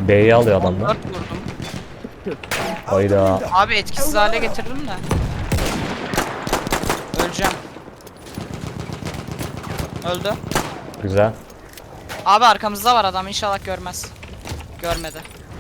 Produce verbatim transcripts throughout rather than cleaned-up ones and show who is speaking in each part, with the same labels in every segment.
Speaker 1: B'yi alıyor adamlar.
Speaker 2: dört vurdum.
Speaker 1: Hayda.
Speaker 2: Abi etkisiz hale getirdim de. Öleceğim. Öldü.
Speaker 1: Güzel.
Speaker 2: Abi arkamızda var adam, inşallah görmez. Görmedi.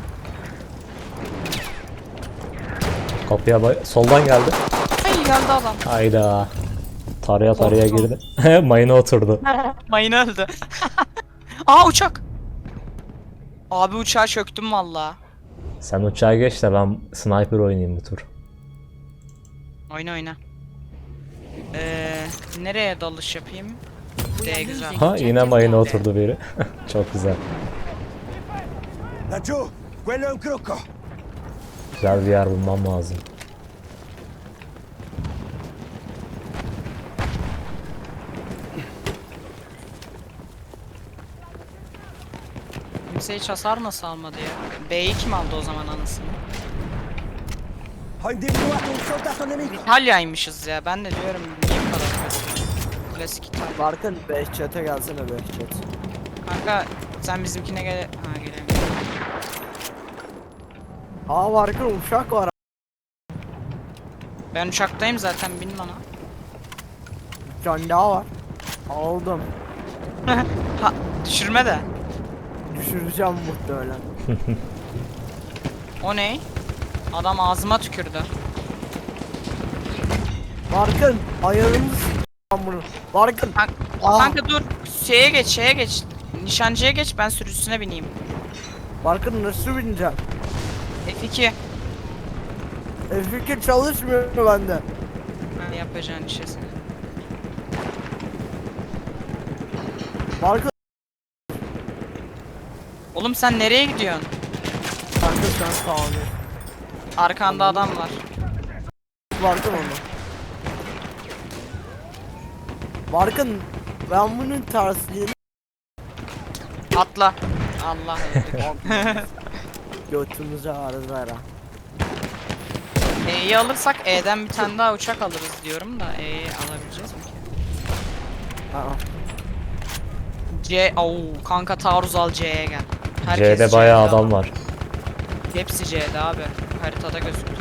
Speaker 1: Kapıya bay- soldan geldi.
Speaker 2: Ay geldi adam.
Speaker 1: Hayda. Taraya taraya
Speaker 2: Korktum.
Speaker 1: girdi. Mayına oturdu.
Speaker 2: Mayın öldü. Aa uçak. Abi uçağa çöktüm valla.
Speaker 1: Sen uçağa geç de ben sniper oynayayım bu tur.
Speaker 2: Oyna oyna. Ee, nereye dalış yapayım? D güzel.
Speaker 1: Ha yine mayına oturdu biri. Çok güzel.
Speaker 3: Laggiù, quello è un crocco.
Speaker 1: Güzel bir yer bulmam lazım.
Speaker 2: Kimse hiç hasar nasıl almadı ya? B'yi kim aldı o zaman anasını?
Speaker 3: Ho individuato un soldato nemico.
Speaker 2: İtalya'ymış ya, ben de diyorum niye bu kadar klasik? Klasik İtalya.
Speaker 4: Barkın Behçet'e gelsene Behçet.
Speaker 2: Kanka sen bizimkine gel... Ha gelemiyorum.
Speaker 4: Aa Barkın uçak var.
Speaker 2: Ben uçaktayım zaten, bin bana.
Speaker 4: Bir tane daha var. Aldım.
Speaker 2: Ha düşürme de.
Speaker 4: Düşüreceğim muhtemelen.
Speaker 2: O ne? Adam ağzıma tükürdü.
Speaker 4: Barkın ayarını s***am bunu. Barkın.
Speaker 2: Kanka,
Speaker 4: Aa.
Speaker 2: kanka dur. Şeye geç, şeye geç. Nişancıya geç, ben sürücüsüne bineyim.
Speaker 4: Barkın nasıl bineceğim?
Speaker 2: F iki.
Speaker 4: E, fikir çalışmıyor mu bende?
Speaker 2: Ha, yapacağın işe sen.
Speaker 4: Barkın.
Speaker 2: Oğlum sen nereye gidiyorsun?
Speaker 4: Kanka sen sağ ol.
Speaker 2: Arkanda adam var.
Speaker 4: Barkın onu. Barkın ben bunun tersliğini
Speaker 2: Atla. Allah öldük.
Speaker 4: götümüze arızlara.
Speaker 2: E'yi alırsak E'den bir tane daha uçak alırız diyorum da E'yi alabileceğiz mi ki?
Speaker 4: Aa.
Speaker 2: C, au kanka taarruz al, C'ye gel.
Speaker 1: C'de bayağı
Speaker 2: C'de
Speaker 1: adam
Speaker 2: ama.
Speaker 1: var.
Speaker 2: Hepsi C'de abi. Haritada gözüktü.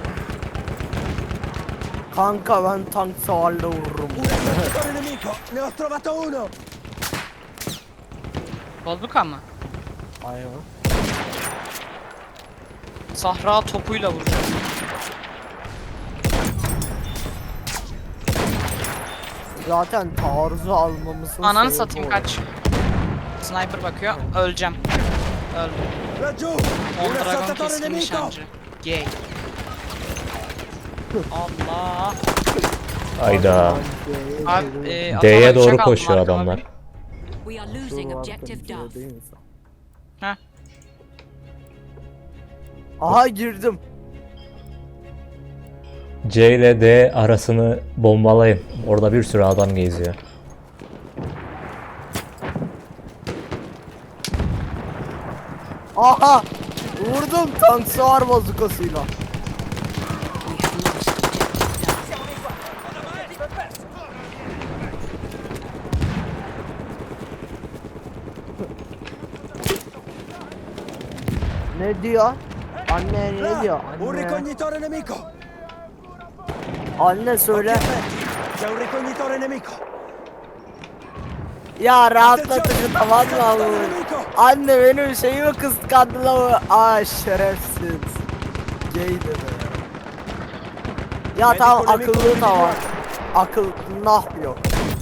Speaker 4: Kanka ben tank savarla vururum.
Speaker 3: Un attaccatore nemico. Ne ho trovato uno.
Speaker 2: Bazooka mı?
Speaker 4: Aynen.
Speaker 2: Sahra topuyla vuracağım.
Speaker 4: Zaten taarruzu almamızın
Speaker 2: Ananı
Speaker 4: sebebi
Speaker 2: satayım,
Speaker 4: o.
Speaker 2: kaç. Sniper bakıyor. Öleceğim. Öldüm.
Speaker 3: Laggiù, un
Speaker 2: On Dragon
Speaker 3: assaltatore
Speaker 2: keskin
Speaker 3: nemico.
Speaker 2: nişancı. Gay. Allah.
Speaker 1: Hayda.
Speaker 2: Abi e,
Speaker 1: D'ye
Speaker 2: atama
Speaker 1: doğru
Speaker 2: uçak aldım
Speaker 1: koşuyor
Speaker 2: arkama
Speaker 1: adamlar.
Speaker 2: bir.
Speaker 5: We are losing objective Duff.
Speaker 2: Heh.
Speaker 4: Aha girdim.
Speaker 1: C ile D arasını bombalayın. Orada bir sürü adam geziyor.
Speaker 4: Aha! Vurdum tank savar bazukasıyla.
Speaker 5: We have lost objective Duff.
Speaker 4: Ne diyor? Anne ne
Speaker 3: Là,
Speaker 4: diyor?
Speaker 3: un
Speaker 4: Anne.
Speaker 3: ricognitore nemico.
Speaker 4: Anne söyle.
Speaker 3: Occhi aperti. C'è un ricognitore nemico.
Speaker 4: Ya rahatlatıcı tamam mı
Speaker 3: Attenzione,
Speaker 4: abi?
Speaker 3: nemico.
Speaker 4: Anne benim şeyimi kıskandılar mı? Aa şerefsiz. Gay de be. Ya tamam akıllı tavan. Akıl nah yok.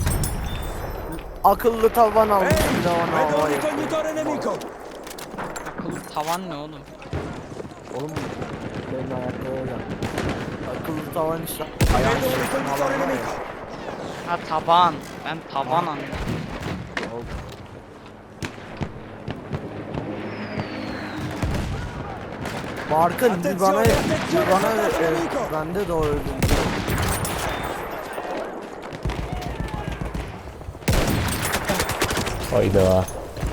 Speaker 4: Akıllı tavan almış
Speaker 3: Ehi,
Speaker 4: bir de ona
Speaker 3: vedo un
Speaker 4: hava yapıyor.
Speaker 3: ricognitore nemico.
Speaker 2: Akıllı tavan ne oğlum?
Speaker 4: Oğlum benim ayaklara gel. Akıllı tavan işte.
Speaker 3: Vedo
Speaker 4: Ayağım
Speaker 3: un
Speaker 4: şey
Speaker 3: ricognitore
Speaker 4: falan var ya.
Speaker 3: nemico.
Speaker 2: Ha taban. Ben taban anladım.
Speaker 4: Barkın bir bana
Speaker 3: Attenzione,
Speaker 4: bir
Speaker 3: attenzione,
Speaker 4: bana
Speaker 3: soldato
Speaker 4: e,
Speaker 3: nemico.
Speaker 4: bende de o öldüm.
Speaker 1: Hayda.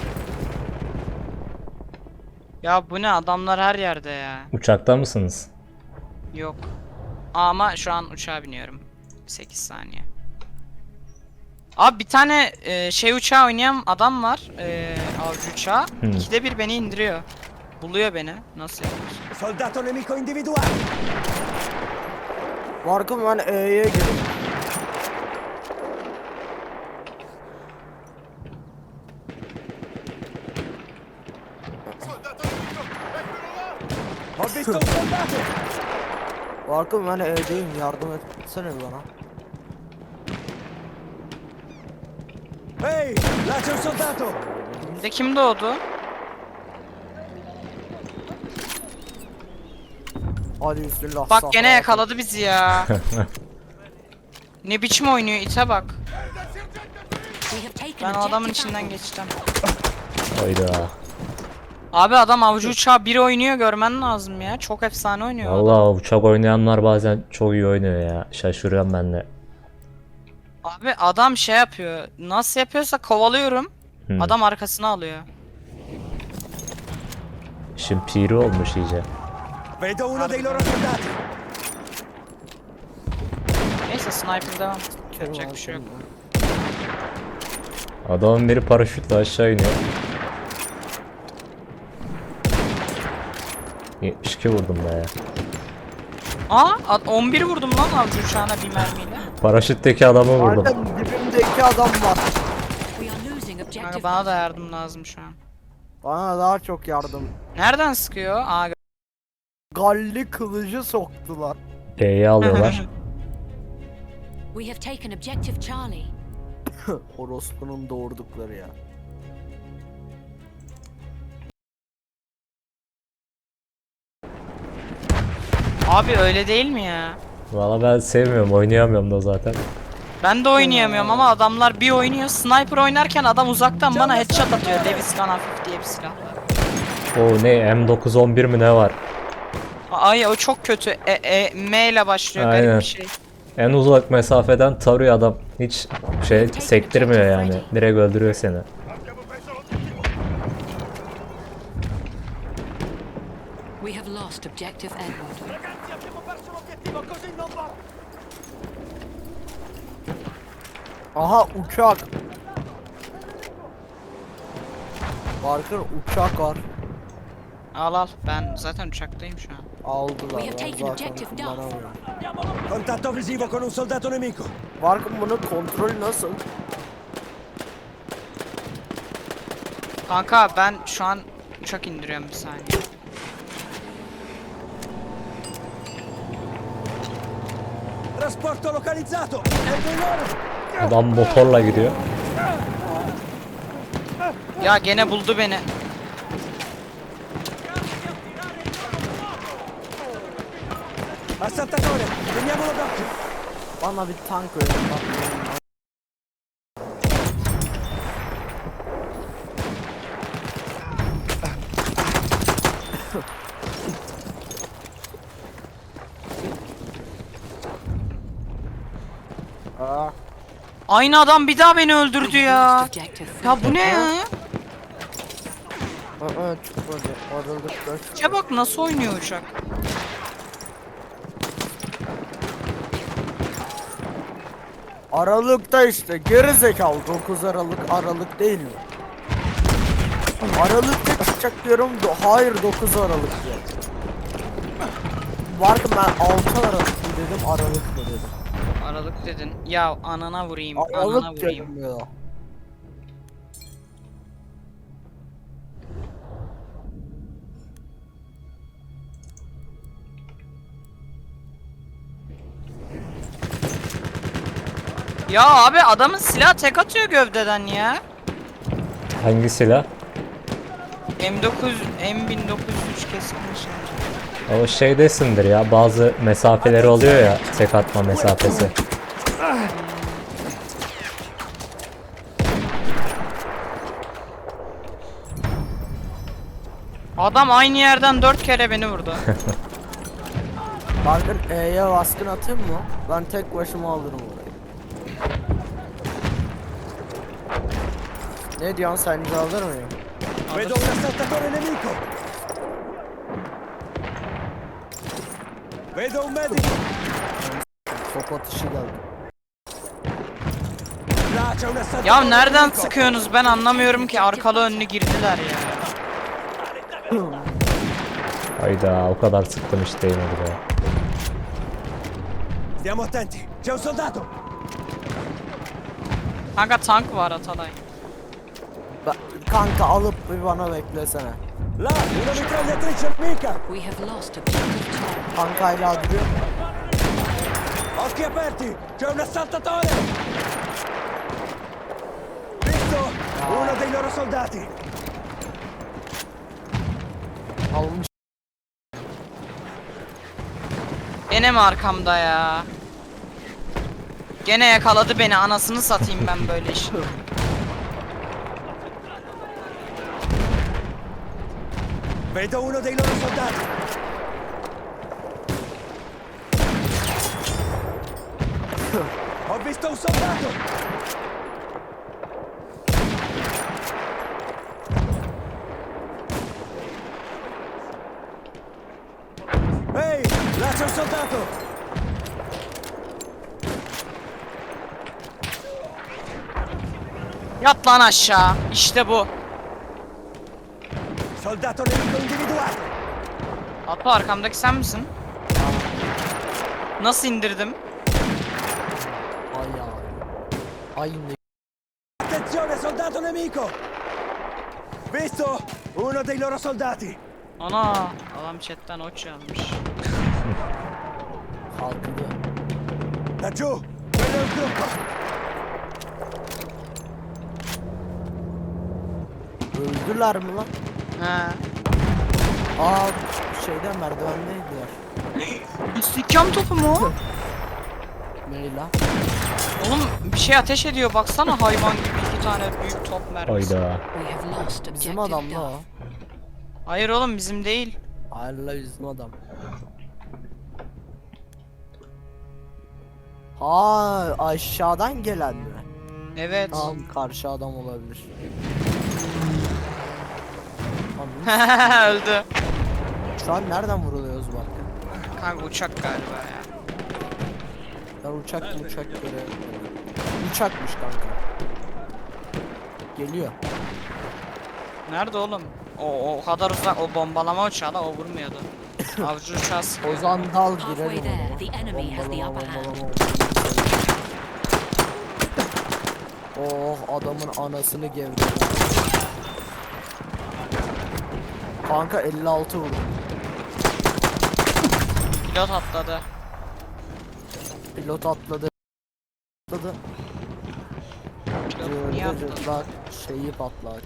Speaker 2: Ya bu ne, adamlar her yerde ya.
Speaker 1: Uçakta mısınız?
Speaker 2: Yok. Ama şu an uçağa biniyorum. sekiz saniye. Abi bir tane e, şey uçağı oynayan adam var. E, avcı uçağı.
Speaker 1: Hmm.
Speaker 2: İkide bir beni indiriyor. Buluyor beni. Nasıl yapıyorsun?
Speaker 3: Soldato nemico individuato.
Speaker 4: Barkın ben E'ye girdim.
Speaker 3: Ho visto un soldato.
Speaker 4: Barkın ben E'deyim, yardım etsene bana.
Speaker 3: Ehi, là c'è un soldato.
Speaker 2: Bir de kim doğdu?
Speaker 4: Hadi bismillah.
Speaker 2: Bak gene
Speaker 4: sağ ol.
Speaker 2: yakaladı bizi ya. Ne biçim oynuyor ite bak.
Speaker 5: We have taken
Speaker 2: Ben o adamın
Speaker 5: objective
Speaker 2: içinden
Speaker 5: Alpha.
Speaker 2: geçeceğim.
Speaker 1: Hayda.
Speaker 2: Abi adam avcı uçağı biri oynuyor görmen lazım ya. Çok efsane oynuyor. adam.
Speaker 1: Vallahi uçak oynayanlar bazen çok iyi oynuyor ya. Şaşırıyorum ben de.
Speaker 2: Abi adam şey yapıyor. Nasıl yapıyorsa kovalıyorum.
Speaker 1: Hmm.
Speaker 2: Adam arkasına alıyor.
Speaker 1: İşin piri olmuş iyice.
Speaker 3: Vedo uno dei loro soldati.
Speaker 2: Neyse sniper devam.
Speaker 4: Kerim
Speaker 2: Yapacak bir şey yok.
Speaker 1: Adamın biri paraşütle aşağı iniyor. yetmiş iki vurdum be ya.
Speaker 2: Aa ad- on bir vurdum lan avcı uçağına bir mermiyle.
Speaker 1: Paraşütteki adamı vurdum.
Speaker 4: Barkın dibimdeki adam var.
Speaker 5: We are losing objective
Speaker 2: Kanka bana da
Speaker 5: Alpha.
Speaker 2: yardım lazım şu an.
Speaker 4: Bana daha çok yardım.
Speaker 2: Nereden sıkıyor? Aa gö-
Speaker 4: Galli kılıcı soktular.
Speaker 1: E'yi alıyorlar.
Speaker 5: We have taken objective Charlie.
Speaker 4: Orospu'nun doğurdukları ya.
Speaker 2: Abi öyle değil mi ya?
Speaker 1: Valla ben sevmiyorum, oynayamıyorum da zaten.
Speaker 2: Ben de oynayamıyorum ama adamlar bir oynuyor. Sniper oynarken adam uzaktan bana headshot atıyor. Davis Gun hafif diye bir silah.
Speaker 1: O ne, M dokuz on bir mi ne var?
Speaker 2: Ay o çok kötü. E, e, M ile başlıyor
Speaker 1: Aynen.
Speaker 2: garip bir şey.
Speaker 1: En uzak mesafeden tarıyor adam. Hiç şey sektirmiyor yani. Direkt öldürüyor seni.
Speaker 5: We have lost objective Edward.
Speaker 3: Ragazzi, abbiamo perso l'obiettivo, così non va.
Speaker 4: Aha uçak. Barkın uçak var.
Speaker 2: Al al. Ben zaten uçaktayım şu an.
Speaker 4: Aldılar.
Speaker 5: We have
Speaker 4: Ben
Speaker 5: taken
Speaker 4: zaten
Speaker 5: objective Duff.
Speaker 4: kullanamıyorum.
Speaker 3: Contatto visivo con un soldato nemico.
Speaker 4: Barkın bunun kontrolü nasıl?
Speaker 2: Kanka ben şu an uçak indiriyorum bir saniye.
Speaker 3: Trasporto localizzato. È dei loro.
Speaker 1: Adam motorla gidiyor.
Speaker 2: Ya gene buldu beni.
Speaker 3: Assaltatore, teniamolo d'occhio.
Speaker 4: Bana bir tank verin bak. Aa,
Speaker 2: Aynı adam bir daha beni öldürdü
Speaker 5: We have
Speaker 2: ya.
Speaker 5: lost objective
Speaker 2: Ya
Speaker 5: Freddy.
Speaker 2: bu ne ya?
Speaker 4: aa çıkmadı. Aralıkta çıktı.
Speaker 2: Ya bak nasıl oynuyor uçak.
Speaker 4: Aralıkta işte geri zekalı dokuz Aralık Aralık değil mi? Aralıkta çıkacak diyorum. do- Hayır dokuz Aralık diyor. Vardı ben altı Aralık mı dedim Aralık mı dedim.
Speaker 2: Aralık dedin. Ya anana vurayım. Anana
Speaker 4: Aralık
Speaker 2: vurayım.
Speaker 4: dedim ya.
Speaker 2: Ya abi adamın silah tek atıyor gövdeden ya.
Speaker 1: Hangi silah?
Speaker 2: M dokuz M bin dokuz yüz üç keskin nişancı.
Speaker 1: O şeydesindir ya, bazı mesafeleri oluyor ya, tek atma mesafesi.
Speaker 2: Adam aynı yerden dört kere beni vurdu.
Speaker 4: Bakın E'ye baskın atayım mı? Ben tek başıma alırım orayı. Ne diyorsun sence alır mıyım?
Speaker 3: Vedo un assaltatore nemico. Vedo un medico.
Speaker 4: Top atışı geldi.
Speaker 3: Là c'è un assaltatore
Speaker 2: Ya nereden
Speaker 3: nemico.
Speaker 2: sıkıyorsunuz ben anlamıyorum ki arkalı önlü girdiler ya.
Speaker 1: Hayda o kadar sıktım hiç değmedi be.
Speaker 3: Stiamo attenti. C'è un soldato.
Speaker 2: Kanka tank var Atalay.
Speaker 4: Ben- kanka alıp bir bana beklesene.
Speaker 3: Là, una mitragliatrice nemica.
Speaker 5: We have lost objective Charlie.
Speaker 4: Kankayla duruyor.
Speaker 3: Occhi aperti. C'è un assaltatore. Visto? Uno dei loro soldati.
Speaker 4: Almış.
Speaker 2: Gene mi arkamda ya? Gene yakaladı beni, anasını satayım ben böyle iş.
Speaker 3: Vedo uno dei loro soldati. Ho visto un soldato. Ehi, là c'è un soldato.
Speaker 2: Yat lan aşağı. İşte bu.
Speaker 3: Soldato nemico individuato.
Speaker 2: Apo arkamdaki sen misin? Nasıl indirdim?
Speaker 4: Ay ya. Ay ne.
Speaker 3: Attenzione, soldato nemico. Visto? Uno dei loro soldati.
Speaker 2: Ana adam chatten oç yazmış.
Speaker 4: Kalkıyor.
Speaker 3: Laggiù, quello è il gruppo.
Speaker 4: Öldüler mi lan?
Speaker 2: He.
Speaker 4: Aa şeyden merdivendeydiler.
Speaker 2: İstihkam topu mu? o?
Speaker 4: Meyla.
Speaker 2: Oğlum bir şey ateş ediyor baksana, hayvan gibi iki tane büyük top mermisi.
Speaker 1: Hayda.
Speaker 5: We have lost
Speaker 4: Bizim
Speaker 5: objective
Speaker 4: adam la o.
Speaker 5: Duff.
Speaker 2: Hayır oğlum bizim değil.
Speaker 4: Hayır la bizim adam. Ha aşağıdan gelen mi?
Speaker 2: Evet.
Speaker 4: Tamam karşı adam olabilir. Tamam.
Speaker 2: Öldü.
Speaker 4: Şu an nereden vuruluyoruz bak.
Speaker 2: Kanka uçak galiba ya.
Speaker 4: Ben uçak uçak göre. Uçakmış kanka. Geliyor.
Speaker 2: Nerede oğlum? O, o kadar uzak, o bombalama uçağı da o vurmuyordu. Avcı uçağı sıkıyor.
Speaker 4: Ozan dal
Speaker 5: Halfway
Speaker 4: girelim
Speaker 5: there,
Speaker 4: ona.
Speaker 5: the enemy has the
Speaker 4: Bombalama,
Speaker 5: upper hand.
Speaker 4: bombalama, bombalama. Oh adamın anasını gevredi. Kanka elli altı vurdu.
Speaker 2: Pilot atladı.
Speaker 4: Pilot atladı. Atladı.
Speaker 2: Pilot niye atladı?
Speaker 4: Cırtlak şeyi patlak.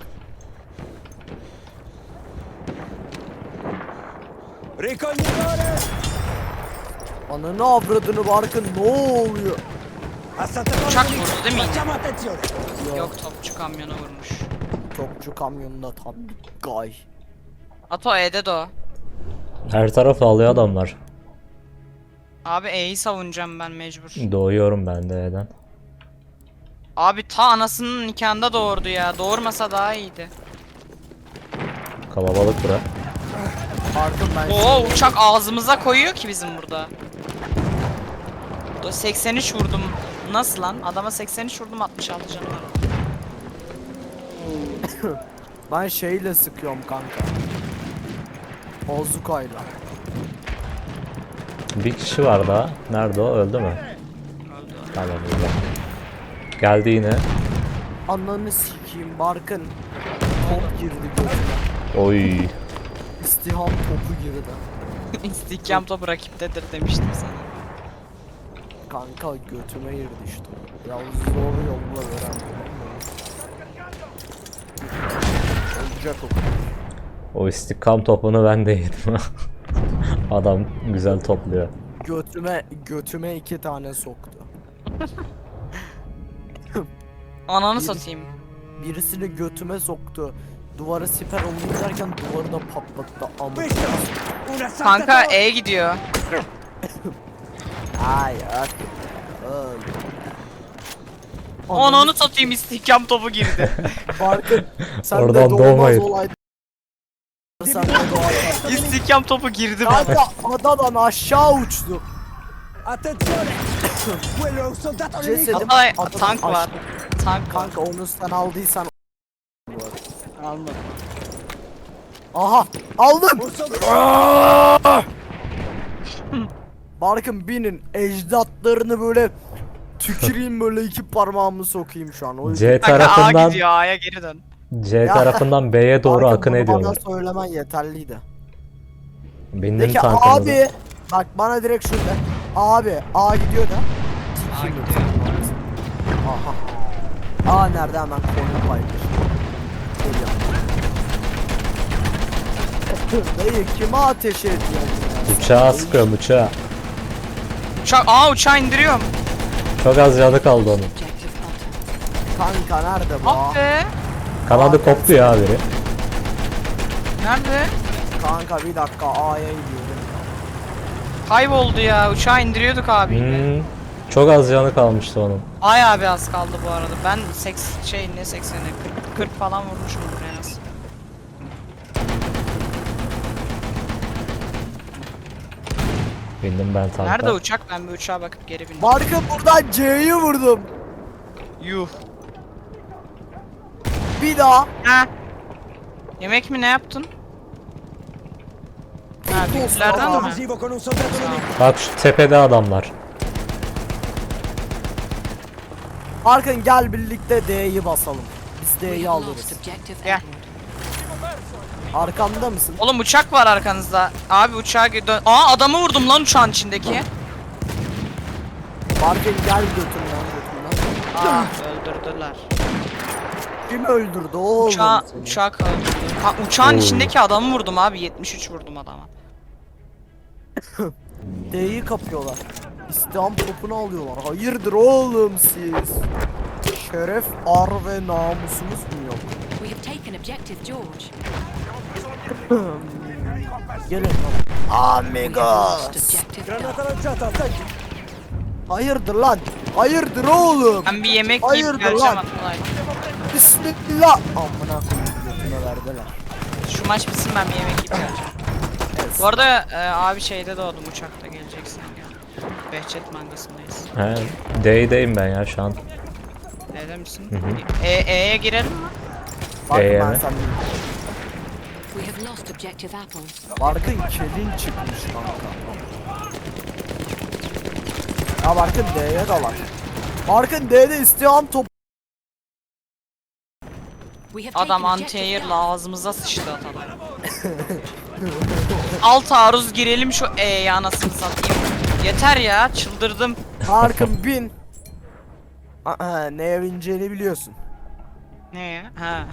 Speaker 3: Ricognitore.
Speaker 4: Ananı avradını barkın ne oluyor?
Speaker 3: Assaltatore
Speaker 2: Uçak
Speaker 3: nemico.
Speaker 2: vurdu değil mi yine?
Speaker 3: Facciamo attenzione.
Speaker 2: Yok, topçu kamyona vurmuş.
Speaker 4: Topçu kamyonunda tam gay.
Speaker 2: Ato E'de de o.
Speaker 1: Her tarafı alıyor adamlar.
Speaker 2: Abi E'yi savunacağım ben mecbur.
Speaker 1: Doğuyorum ben de neden.
Speaker 2: Abi ta anasının nikahında doğurdu ya. Doğurmasa daha iyiydi.
Speaker 1: Kalabalık bura.
Speaker 4: Barkın ben
Speaker 2: Oo uçak ağzımıza koyuyor ki bizim burada. Do- seksen üç vurdum. Nasıl lan? Adama seksen üç vurdum, altmış altı canı var.
Speaker 4: ben şeyle sıkıyorum kanka. Bozukayla.
Speaker 1: Bir kişi var daha. Nerede o? Öldü mü?
Speaker 2: Öldü.
Speaker 1: Tamam öldü. Geldi yine.
Speaker 4: Ananı sikeyim Barkın. Top girdi gözüme.
Speaker 1: Oy.
Speaker 4: İstiham topu girdi.
Speaker 2: İstihkam topu rakiptedir demiştim sana.
Speaker 4: Kanka götüme girdi işte. Ya zor yolla veren. Olacak o.
Speaker 1: O istikam topunu ben de yedim. Adam güzel topluyor.
Speaker 4: Götüme götüme iki tane soktu.
Speaker 2: Ananı
Speaker 4: Biri-
Speaker 2: satayım.
Speaker 4: Birisini götüme soktu. Duvara siper oldu derken duvarı da patlattı amına.
Speaker 3: Visto? Un
Speaker 2: Kanka
Speaker 3: assaltatore.
Speaker 2: E gidiyor.
Speaker 4: Hayır. Öl.
Speaker 2: Ananı satayım, istihkam topu girdi.
Speaker 4: Barkın sen
Speaker 1: Oradan
Speaker 4: de doğmaz
Speaker 1: doğmayın.
Speaker 4: olay. Sen de doğar.
Speaker 2: İstihkam topu girdi bana.
Speaker 4: Kanka adadan aşağı uçtu.
Speaker 3: Attenzione. Quello è un soldato nemico.
Speaker 4: Cesedim
Speaker 2: Atalay,
Speaker 4: adadan
Speaker 2: tank var.
Speaker 4: aşağı-
Speaker 2: Tank var.
Speaker 4: Kanka onu sen aldıysan
Speaker 2: Almadım.
Speaker 4: Aha aldım.
Speaker 3: Un soldato!
Speaker 4: Barkın binin ecdatlarını böyle tüküreyim böyle iki parmağımı sokayım şu an. O yüzden.
Speaker 1: C
Speaker 2: Kanka A
Speaker 1: tarafından
Speaker 2: gidiyor, A'ya geri dön.
Speaker 1: C
Speaker 4: Ya.
Speaker 1: tarafından B'ye doğru
Speaker 4: Barkın,
Speaker 1: akın
Speaker 4: bunu
Speaker 1: ediyorlar.
Speaker 4: Bana söylemen yeterliydi.
Speaker 1: Bindim
Speaker 4: Peki
Speaker 1: tankınıza.
Speaker 4: abi bak bana direkt şöyle. Abi A gidiyor da.
Speaker 2: A
Speaker 4: Sikeyim
Speaker 2: gidiyor.
Speaker 4: Aha. A nerede hemen koyun paydır. Dayı kime ateş ediyorsun ya?
Speaker 1: Uçağa sıkıyorum uçağa.
Speaker 2: Uçak, Aa uçağı indiriyorum.
Speaker 1: Çok az canı kaldı onun.
Speaker 5: Objective button.
Speaker 4: Kanka nerede bu A?
Speaker 2: Ah be.
Speaker 1: Kanadı koptu ya biri.
Speaker 2: Nerede?
Speaker 4: Kanka bir dakika A'ya gidiyorum.
Speaker 2: Kayboldu ya. Uçağı indiriyorduk abi.
Speaker 1: Hmm, çok az canı kalmıştı onun.
Speaker 2: Ay abi az kaldı bu arada. Ben seks şey ne sekseni kırk, kırk falan vurmuşumdur en az.
Speaker 1: Bindim ben tanka.
Speaker 2: Nerede uçak? Ben bir uçağa bakıp geri bindim.
Speaker 4: Barkın buradan C'yi vurdum.
Speaker 2: Yuh.
Speaker 4: Bir daha.
Speaker 2: Ha. Yemek mi ne yaptın? Ha büyüklerden
Speaker 3: Contatto
Speaker 2: mi?
Speaker 3: visivo con un soldato nemico.
Speaker 1: Bak şu tepede adamlar.
Speaker 4: Barkın gel birlikte D'yi basalım. Biz
Speaker 5: We
Speaker 4: D'yi
Speaker 5: have
Speaker 4: alırız.
Speaker 5: lost objective
Speaker 2: Yeah.
Speaker 5: Edward.
Speaker 4: Arkamda mısın?
Speaker 2: Oğlum uçak var arkanızda. Abi uçağa gö- dön. Aa adamı vurdum lan uçağın içindeki.
Speaker 4: Barkın gel götürmen götürmen.
Speaker 2: Aa öldürdüler.
Speaker 4: Kim öldürdü oğlum
Speaker 2: Uçağı,
Speaker 4: seni?
Speaker 2: uçak öldürdü. Ha, uçağın
Speaker 1: Oo.
Speaker 2: içindeki adamı vurdum abi. yetmiş üç vurdum adama.
Speaker 4: D'yi kapıyorlar. İstiham topunu alıyorlar. Hayırdır oğlum siz? Şeref, ar ve namusumuz mu yok?
Speaker 5: We have taken objective George.
Speaker 4: Gelin.
Speaker 5: We have
Speaker 4: Amigos.
Speaker 5: lost objective
Speaker 3: Granata
Speaker 5: Duff.
Speaker 3: lanciata, attacchi!
Speaker 4: Hayırdır lan? Hayırdır oğlum?
Speaker 2: Ben bir yemek
Speaker 4: Hayırdır
Speaker 2: yiyip geleceğim
Speaker 4: lan?
Speaker 2: Atılay.
Speaker 4: Bismillah. Amına koyayım götüne verdiler.
Speaker 2: Şu maç bitsin ben bir yemek yiyip geleceğim.
Speaker 4: Evet.
Speaker 2: Bu arada e, abi şeyde doğdum uçakta geleceksin ya. Behçet mangasındayız.
Speaker 1: He, D'deyim ben ya şu an.
Speaker 2: Neden misin?
Speaker 1: Hı hı.
Speaker 2: E, E'ye girelim mi?
Speaker 4: Bak
Speaker 1: Ee,
Speaker 4: ben
Speaker 1: mi?
Speaker 4: sen
Speaker 5: We have lost objective apples.
Speaker 4: Barkın kelin çıkmış kanka. Ya Barkın D'ye dalak. Barkın D'de istiham top.
Speaker 5: We have taken
Speaker 2: Adam
Speaker 5: objective
Speaker 2: anti-air
Speaker 5: Duff.
Speaker 2: ağzımıza sıçtı Atalay. Al taarruz girelim şu E'ye anasını satayım. Yeter ya çıldırdım.
Speaker 4: Barkın bin. Aa, neye bineceğini biliyorsun.
Speaker 2: Ne ya? Ha.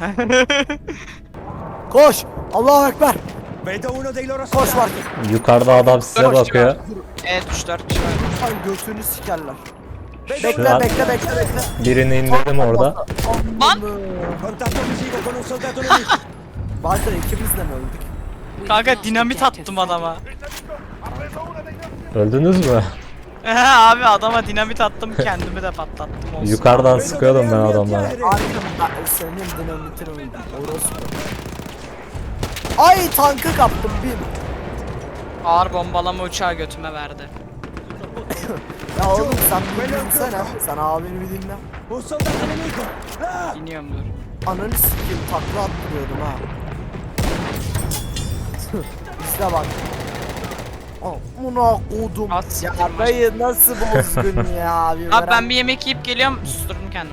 Speaker 4: Koş. Allahu Ekber.
Speaker 3: Vedo uno dei loro
Speaker 4: Koş
Speaker 3: soldati!
Speaker 4: Barkın.
Speaker 1: Yukarıda adam size
Speaker 2: Dört
Speaker 1: bakıyor.
Speaker 2: Evet üç dört kişi var.
Speaker 4: Ay götünü sikerler.
Speaker 1: Şu
Speaker 4: Bekle
Speaker 1: an
Speaker 4: bekle bekle bekle.
Speaker 1: birini indirdim orada.
Speaker 2: Lan!
Speaker 3: Contatto visivo con un soldato nemico!
Speaker 4: Barkın ikimiz de mi öldük?
Speaker 5: We have
Speaker 2: Kanka
Speaker 5: lost
Speaker 2: dinamit
Speaker 5: objective
Speaker 2: attım
Speaker 5: Freddy.
Speaker 2: adama.
Speaker 1: Öldünüz mü?
Speaker 2: Abi adama dinamit attım kendimi de patlattım olsun.
Speaker 1: Yukarıdan
Speaker 3: Vedo
Speaker 1: sıkıyordum
Speaker 3: delle
Speaker 1: ben
Speaker 3: armi
Speaker 1: adamlara.
Speaker 3: a terra.
Speaker 4: Barkın ben senin dinamitin öldüm. Orospu. Ay tankı kaptım bin.
Speaker 2: Ağır bombalama uçağı götüme verdi.
Speaker 4: Ya oğlum sen bir dinlesene. Sen abini bir dinle.
Speaker 3: Un soldato nemico! Ah!
Speaker 2: İniyorum dur.
Speaker 4: Ananı sikeyim takla attırıyordum ha. İşte bak. Amına kodum.
Speaker 2: At
Speaker 4: Ya
Speaker 2: sikeyim
Speaker 4: dayı nasıl bozgun ya. Bir
Speaker 2: Abi ben
Speaker 4: veren-
Speaker 2: bir yemek yiyip geliyorum. Susturdum kendimi.